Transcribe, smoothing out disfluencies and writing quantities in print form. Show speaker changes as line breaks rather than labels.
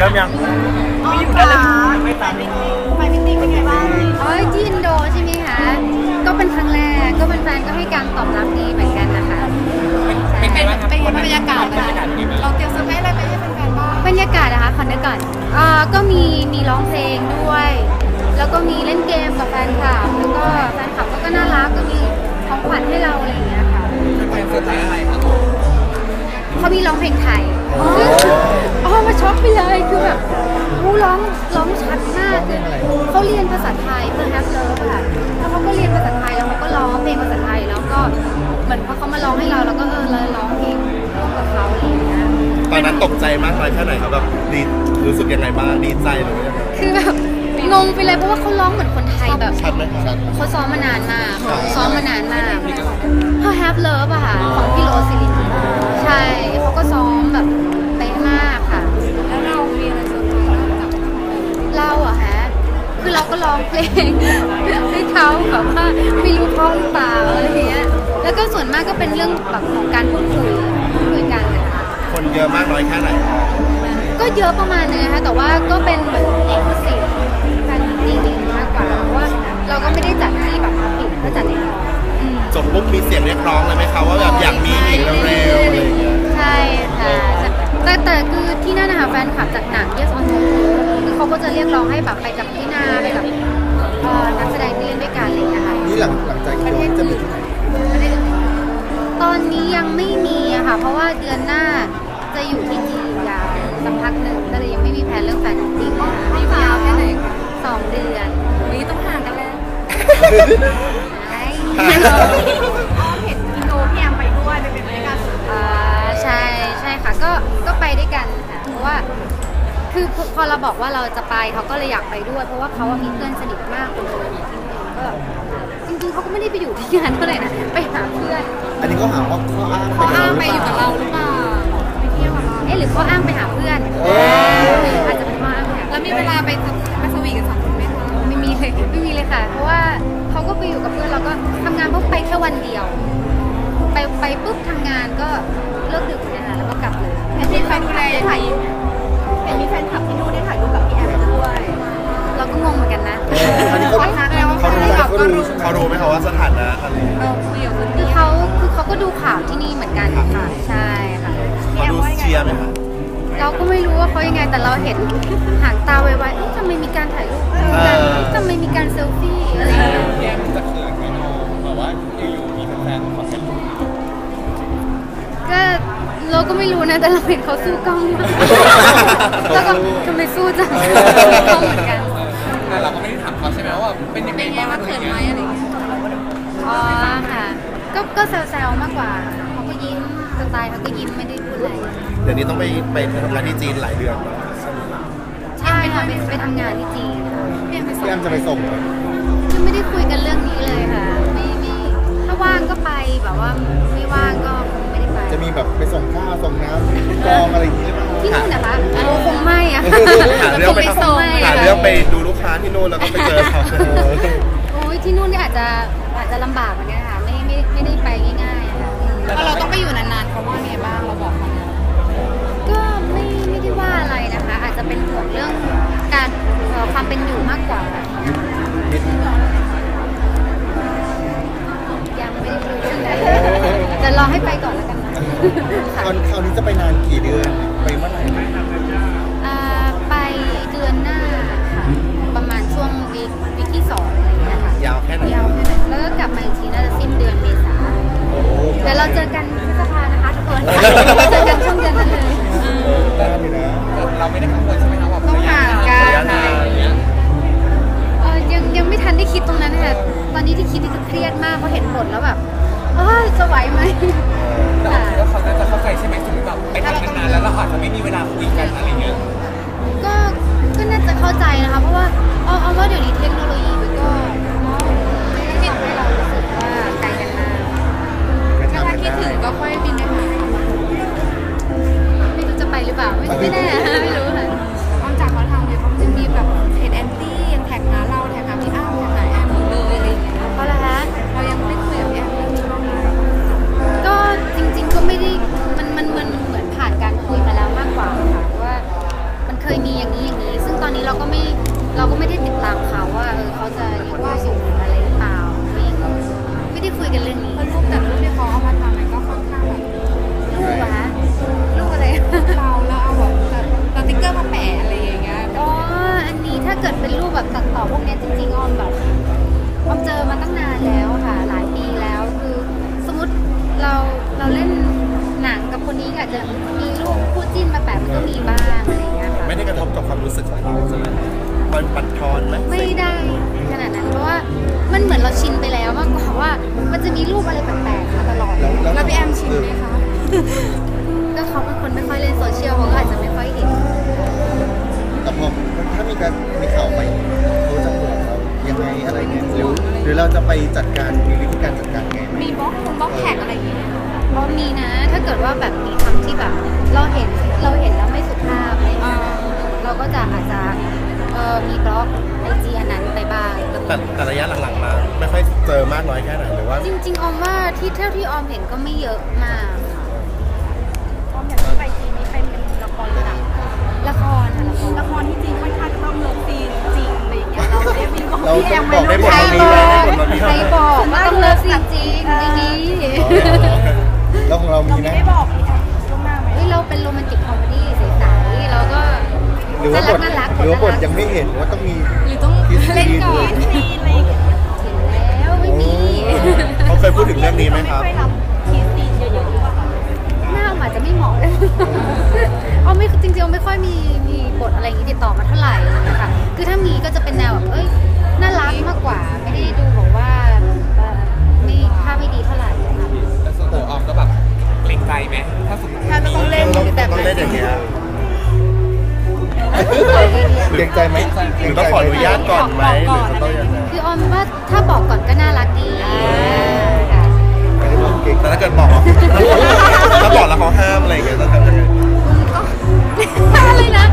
ริ่มยัง
ไม่อยู่ได้เลยไม่ตันไปมิติ้งเป็นไงบ้าง
ที่อินโดใช่ไหมคะก็เป็นครั้งแรกก็เป็นแฟนก็ให้การตอบรับดีเหมือนกันนะคะ
เป็นบรรยากาศเราเตรียมเซอร์ไพรส์อะไรไปให้แฟนๆบ้าง
บรรยากาศนะคะขอนึกก่อนก็มีร้องเพลงด้วยแล้วก็มีเล่นเกมกับแฟนคลับแล้วก็แฟนคลับก็น่ารักก็มีของขวัญให้เราอะไรอย่างเงี้ยค่ะ
เป็นเซอร์ไพรส์อะไรครับ
เขามีร้องเพลงไทยมาช็อกไปเลยคือแบบร้องชัดมากคือเขาเรียนภาษาไทยเพื่อแฮปเลิฟค่ะแล้วเขาก็เรียนภาษาไทยแล้วเขาก็ร้องเพลงภาษาไทยแล้วก็เหมือนพอเขามาร้องให้เราแล้วก็เลยร้องเพลงกับเขาอะไรอย่างเงี้ย
ตอนนั้นตกใจมากเลยแค่ไหนครับแบบดีรู้สึกยังไงบ้างดีใจหรือยังไง
คือแบบงงไปเลยเพราะว่าเขาร้องเหมือนคนไทยแบบ
ชัดไหมชัด
เขาซ้อมมานานมากเขาแฮปเลิฟอะค่ะของพี่โรซิลินใช่เขาก็ซ้อมแบบเป๊ะมากค่ะ
แล้วเรามีอะไรเซอร์ไพรส์กับ
เราอะฮะคือเราก็ร้องเพลงให้เขาแบบว่าไม่รู้เพราะหรือเปล่าอะไรเงี้ยแล้วก็ส่วนมากก็เป็นเรื่องแบบของการพูดคุยกันนะคะ
คนเยอะมากน้อยแค่ไหน
ก็เยอะประมาณนึงนะคะแต่ว่าก็เป็นเหมือนเอกสิทธิ์แฟนจริงๆมากกว่าเพราะว่าเราก็ไม่ได้จัดที่แบบปิดก็จัดในห้อง
จบปุ๊บมีเสียงเรียกร้องเลยไหมคะว่าแบบอยากมีอีกเร็วๆอะไรอย่างเงี้ย
ใช่ค่ะแต่คือที่นั่นนะคะแฟนคลับจากหนังYes or Noคือเขาก็จะเรียกร้องให้แบบไปกับพี่นาไปกับนักแสดงที่เล่นด้วยกันอะไรอย่างเงี้ยค่ะ
นี่หลังจากประเทศจะมีที่ไหน
ตอนนี้ยังไม่มีอะค่ะเพราะว่าเดือนหน้าจะอยู่ที่จีนยาวสักพักหนึ่งก็เลยยังไม่มีแผนเรื่องแฟนจริง
ยาวแค่ไหน
2 เดือน
นี้ต้องห่างกันแล้วเห็นอินโดพี่แอมไปด้วยไปเป็นบรรยากาศ
ใช่ค่ะก็ไปด้วยกันค่ะเพราะว่าคือพอเราบอกว่าเราจะไปเขาก็เลยอยากไปด้วยเพราะว่าเขามีเพื่อนสนิทมากคนนึงก็จริงๆเขาก็ไม่ได้ไปอยู่ที่งานเท่าไหร่นะไปหาเพื่อน
อันนี้ก็หาว่า
เขาอ้างไปอยู่กับเราหรือเปล่าไปเที่ยวกับเรา
หรือเขาอ้างไปหาเพื่อนอาจจะเป็นว่า
แล้วมีเวลาไปสวีทกัน2 คนไหมคะ
ไม่มีเลยค่ะเพราะว่าเขาก็ไปอยู่กับเพื่อนเราก็ทำงานเพราะไปแค่วันเดียวไปปุ๊บทำงานก็เลิกดึกนะคะแล้วก็กลับเลย
เห็นมีแฟนดูแลถ่ายเห็นมีแฟนคลับที่นู่นได้ถ่ายรูปกับพี่แอมด้วย
เราก็งงเหมือนกันนะ
เขารู้ไหมคะว่าสถานะอะไร
คือเขาก็ดูข่าวที่นี่เหมือนกันค่ะใช่ค่ะ
เขาดูเชียร์ไหมคะ
เราก็ไม่รู้ว่าเขายังไงแต่เราเห็นหางตาไวๆทำไมมีการถ่ายรูปทำไมมีการเซลฟี่อะไรอย่างเงี้ย
แยมจะเขินไหมน้องแบบว่าอยู่ๆมีแฟนๆขอเซลฟี่
ก็เราก็ไม่รู้นะแต่เราเห็นเขาสู้กล้องมากแล้วก็ทำไมสู้จังเขาเหมือนกัน
แต่เราก็ไม่ได้ถามเขาใช่ไหมว่าเป็นยังไง
บ้างเขินไหมอะไรอย่างเงี้ย
ค่ะก็แซวๆมากกว่าเขาก็ยิ้มสไตล์เขาก็ยิ้มไม่ได้พูดอะไร
เดี๋ยวนี้ต้องไปทำงานที่จีนหลายเดือน
ใช่ค่ะไปทำงานที่จีน
พี่แอมจะไปส่ง
ยังไม่ได้คุยกันเรื่องนี้เลยค่ะไม่ถ้าว่างก็ไปแบบว่าไม่ว่างก็ไม่ได้ไป
จะมีแบบไปส่งข้าวส่งน้ำกองอะไรอย่างเงี้ย
ที่นู่นนะคะคงไม่อะ
หาเรื่องไปดูลูกค้าที่นู่นแล้วก็ไปเจอเขา
โอ้ยที่นู่นนี่อาจจะลำบากเหมือนกันค่ะไม่ได้ไปง่ายๆค่ะ
แล้วเราต้องไปอยู่นานๆเขาว่าไงบ้างเราบอกเขา
ก็ไม่ได้ว่าอะไรนะคะอาจจะเป็นห่วงเรื่องการความเป็นอยู่มากกว่ายังไม่ได้คุยเรื่องนั้นจะรอให้ไปก่อนแล้วกันนะ
คราวนี้จะไปนานกี่เดือนไปเมื่อไหร่
ไปเดือนหน้าค่ะประมาณช่วงวีคที่2อะไรอย่างเงี้ยค่ะ
ยาวแค่ไหน
แล้วก็กลับมาอีกทีน่าจะสิ้นเดือนเมษาเดี๋ยวเราเจอกันพฤษภานะคะทุกคนเจอกันช่วงเดือนนั้นเลย
ได้อยู่นะเราไม่ได้กังวลใช่ไหมครับว่า
ต้องห่างกัน
ยังไม่ทันได้คิดตรงนั้นค่ะตอนนี้ที่คิดนี่คือเครียดมากเพราะเห็นผลแล้วแบบจะไหวไหม
แต่ว่าเขาจะเข้าใจใช่ไหมสมมติแบบไปทำงานแล้วเราอาจจะไม่มีเวลาคุยกันอะไรเงี้ย
ก็น่าจะเข้าใจนะคะเพราะว่าเอาว่าเดี๋ยวนี้เทคโนโลยีมันก็ไม่ทำให้เรารู้สึกว่าไกลกันมาก
ถ้าคิดถึงก็ค่อยบินไปหา
ไม่รู้จะไปหรือเปล่าไม่แน่ไม่รู้ค่ะ
นอกจากเขาทำเนี่ยเขาจะมีแบบเพจแอนตี้ยังแท็กหาเราแท็กหาพี่อ้ำแท็กหาแอมหมดเลยอะไรอย่างเงี้ย
เพราะอะไรคะ
เรายังไม่คุยกับแอมเรื่องนี้บ้างเลย
ก็จริงๆก็ไม่ได้มันเหมือนผ่านการคุยมาแล้วมากกว่าค่ะว่ามันเคยยมีอย่างนี้ซึ่งตอนนี้เราก็ไม่ได้ติดตามเขาว่าเขาจะยังว่าอยู่อะไรหรือเปล่าไม่ได้คุยกันเรื่องนี้
รูปแต่รูปที่เขาเอามาทำมันก็ค่อนข้างแบบ
ลูกอะคะลูกอะไร
เราแล้วเอาแบบสติ๊กเกอร์มาแปะอะไรอย่างเงี้ย
อ๋ออันนี้ถ้าเกิดเป็นรูปแบบตัดต่อพวกเนี้ยจริงๆออมเจอมาตั้งนานแล้วค่ะ หลายปีแล้วคือสมมติเราเล่นหนังกับคนนี้อาจจะมีรูปคู่จิ้นมาแปะมันก็มีบ้างอะไรอย่างเงี้ยค่ะ
ไม่ได้กระทบกับความรู้สึกของเราใช่ไหมมันปัดทอนไหม
ไม่ได้ขนาดนั้นเพราะว่ามันเหมือนเราชินไปแล้วมากกว่าว่ามันจะมีรูปอะไรแปลกๆมาตลอด
แล้วพี่แอมชินไหมคะ
ก็เขาเป็นคนไม่ค่อยเล่นโซเชียลเขาก็อาจจะไม่ค่อยเห็น
แต่พอถ้ามีข่าวไปเขาจะห่วงเรายังไงอะไรเงี้ยหรือเราจะไปจัดการมีวิธีการจัดการไงไหม
มีบล็อกแท็กอะไรอย่างเงี้ย
เพราะมีนะถ้าเกิดว่าแบบมีคำที่แบบเราเห็นแล้วไม่สุภาพอะไรอย่างเงี้ยเราก็จะอาจจะมีบล็อกไอจีอันนั้นไปบ้างก็มี
แต่ระยะหลังๆมาไม่ค่อยเจอมากน้อยแค่ไหนหรือว่า
จริงๆออมว่าเท่าที่ออมเห็นก็ไม่เยอะมากค่ะ
พร้อมอย่างที่ไปจีนนี้เป็นละครหนัง
ละครค่ะละคร
ละครที่จริงค่อนข้างจะต้องเลิฟซีนจริงอะไรอย่างเงี้ยเราได้มีบอก
เรา
พี่แอมไหม
บอกได้หมด
ใคร
เรามี
บ
ไหม
อก
ได้หมดเรามี
ใครบอกว่าต้องเลิฟจริงๆไม่มี
แล้วของเรามีไหม
ไม่บอกพี่แอมล่วงหน้าไหม
เฮ้ยเราเป็นโรแมนติกคอมเมดี้ใสๆเราก็
หรือว่าบท
น่ารัก
หรือว่าบทยังไม่เห็นว่าต้องมี
หรือต้องเล่นก่อนซีนอะไรอย่างเงี้ย
เห็นแล้วไม่มี
เขาเคยพูดถึงเรื่องนี้ไหมครับ
ไม่รับทีซีนเยอะๆหรือเปล่าคะ
หน้าอาจจะไม่เหมาะเลยเอาไม่จริงๆไม่ค่อยมีบทอะไรอย่างนี้ติดต่อมาเท่าไหร่ค่ะคือถ้ามีก็จะเป็นแนวแบบน่ารักมากกว่า ไม่ได้ดูบอกว่าไม่ภาพไม่ดีเท่าไหร่ค่ะ
แต่ส่วนตัวออมก็แบบเกรงใจไหมถ้าสมมติ
ถ้าจะต้องเล่น
ต้องเล่นอย่างเงี้ย
เกรงใจไหม
หรือต้องขออนุญาตก่อนไหมหรือจะต้องยังไง
คือออมว่าถ้าบอกก่อนก็น่ารักดีค่ะ
ไม่ได้บอกเกรง
แต่ถ้าเกิดบอกถ้าบอกแล้วเขาห้ามอะไรอย่างเงี้ยต้องทำยังไง
อะไรนะ